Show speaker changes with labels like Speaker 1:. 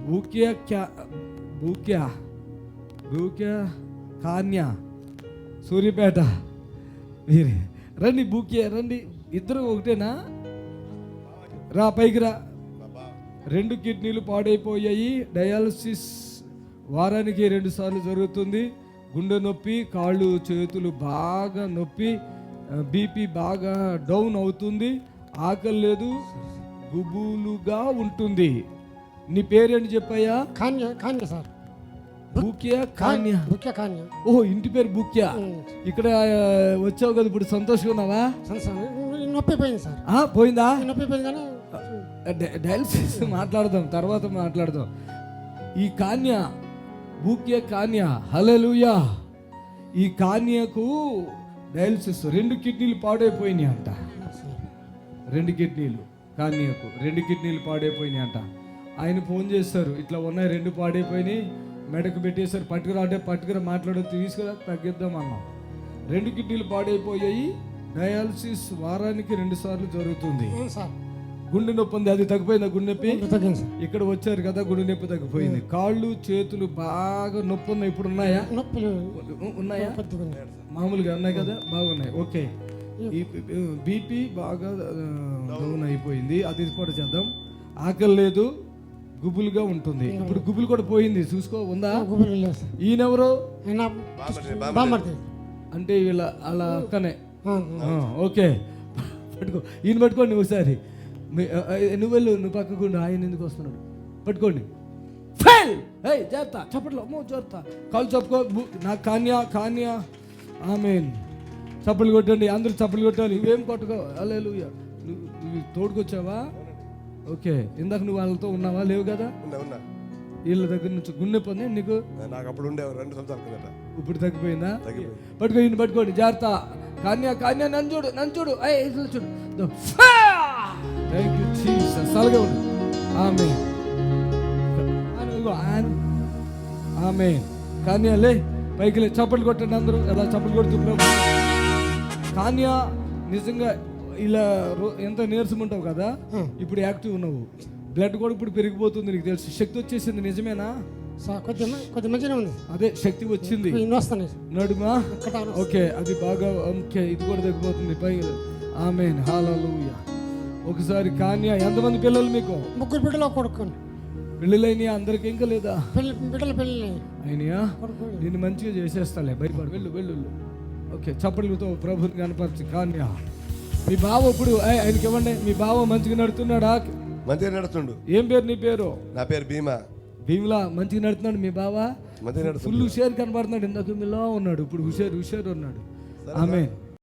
Speaker 1: బూక్యా కాన్యా సూర్యపేట. మీరే రండి, బూక్యా రండి, ఇద్దరు ఒకటేనా? రా పైకి రా. 2 కిడ్నీలు పాడైపోయాయి, డయాలసిస్ వారానికి 2 సార్లు జరుగుతుంది. గుండె నొప్పి, కాళ్ళు చేతులు బాగా నొప్పి, బీపీ బాగా డౌన్ అవుతుంది, ఆకలి లేదు, గుబులుగా ఉంటుంది. నీ పేరేంటి చెప్పాయా?
Speaker 2: కాన్య సార్.
Speaker 1: బూక్యా కాన్యా. ఓ, ఇంటి పేరు బూక్యా. ఇక్కడ వచ్చావు కదా, ఇప్పుడు సంతోషంగా ఉన్నావా?
Speaker 2: నొప్పి పోయింది సార్.
Speaker 1: పోయిందా?
Speaker 2: నొప్పి పోయింది కానీ
Speaker 1: డయాలసిస్ మాట్లాడదాం, తర్వాత మాట్లాడదాం. ఈ కాన్యా, బూక్యా కాన్యా, హల్లెలూయా. ఈ కాన్యాకు డయాలసిస్ 2 కిడ్నీలు పాడైపోయినాయి అంట. 2 కిడ్నీలు కాన్యాకు 2 కిడ్నీలు పాడైపోయినాయి అంట. ఆయన ఫోన్ చేస్తారు, ఇట్లా ఉన్నాయి 2 పాడైపోయినాయి, మెడకు పెట్టేశారు, పట్టుకురా అంటే పట్టుకురా, మాట్లాడో తీసుకురా, తగ్గిద్దాం అన్నాం. 2 కిడ్నీలు పాడైపోయాయి, డయాలసిస్ వారానికి 2 సార్లు జరుగుతుంది. గుండె నొప్పి ఉంది, అది తగ్గిపోయిందా? గుండె నొప్పి ఇక్కడ వచ్చారు కదా, గుండె నొప్పి తగ్గిపోయింది. కాళ్ళు చేతులు బాగా నొప్పి ఉన్నాయి, ఇప్పుడు ఉన్నాయా? ఉన్నాయా? మామూలుగా ఉన్నాయి కదా, బాగున్నాయి. ఓకే. ఈ బీపీ బాగా డౌన్ అయిపోయింది, అది కూడా చేద్దాం. ఆకలి లేదు, గుబులుగా ఉంటుంది. ఇప్పుడు గుబులు కూడా పోయింది, చూసుకో. ఉందా? ఈయనెవరు అంటే వీళ్ళ అలా అక్కనే. ఓకే, పట్టుకో, ఈయన పట్టుకోండి ఒకసారి. నువ్వు వెళ్ళు, నువ్వు పక్కకుండా, ఆయన ఎందుకు వస్తున్నాడు? పట్టుకోండి. జాగ్రత్త, చప్పట్లో జాగ్రత్త, కాళ్ళు చెప్పుకో. నాకు కాన్యా ఆమేన్. చప్పట్లు కొట్టండి, అందరూ చప్పట్లు కొట్టాలి. ఇవేం కొట్టుకో. హల్లెలూయా. నువ్వు తోడుకొచ్చావా? ఓకే. ఇందాక నువ్వు వాళ్ళతో ఉన్నావా? లేవు కదా. వీళ్ళ దగ్గర నుంచి గుండె పొంది నీకు.
Speaker 3: నాకు అప్పుడు ఉండేవారు 2 సంవత్సరాల కిందట.
Speaker 1: ఇప్పుడు తగ్గిపోయిందా? పట్టుకో, ఈయన పట్టుకోండి, జాగ్రత్త. కాన్యా నన్ను చూడు. ఇట్లా చూడు. Thank you Jesus. అలాగే ఉండు. ఆమేన్. ఆమేన్. కాన్యా లే, పైకి లే, చప్పట్లు కొట్టండి అందరూ. ఎలా చప్పట్లు కొడుతున్నారు? కాన్యా నిజంగా ఇలా ఎంత నీరసం ఉంటావు కదా, ఇప్పుడు యాక్టివ్ ఉన్నావు. బ్లడ్ కూడా ఇప్పుడు పెరిగిపోతుంది, నీకు తెలుసు. శక్తి వచ్చేసింది, నిజమేనా?
Speaker 2: కొద్ది మంచిగా ఉంది.
Speaker 1: అదే శక్తి వచ్చింది నడుమా. ఓకే, అది బాగా. ఓకే, ఇది కూడా తగ్గిపోతుంది. పైకి. ఆమేన్. హల్లెలూయా. ఒకసారి కాన్యా, ఎంతమంది పిల్లలు మీకు?
Speaker 2: 3 బిడ్డలు, కొడుకు.
Speaker 1: పెళ్ళిళ్ళైనా అందరికి? ఇంకా లేదా?
Speaker 2: బిడ్డలు పెళ్ళి
Speaker 1: అయినాయా? నేను మంచిగా చేసేస్తాలే, భయపడు. వెళ్ళు. ఓకే, చప్పట్లతో ప్రభుని కనపరచు. కాన్యా, మీ బావ ఇప్పుడు ఆయనకి ఇవ్వండి. మీ బావ మంచిగా నడుతున్నాడా?
Speaker 3: మంచిగా నడుస్తుండు.
Speaker 1: ఏం పేరు నీ పేరు?
Speaker 3: నా పేరు భీమలా. మంచిగా నడుతున్నాడు మీ బావ.
Speaker 1: ఫుల్ హుషారు కనబడుతున్నాడు. ఇందాక మీలో ఉన్నాడు, ఇప్పుడు హుషారు ఉన్నాడు. ఆమేన్.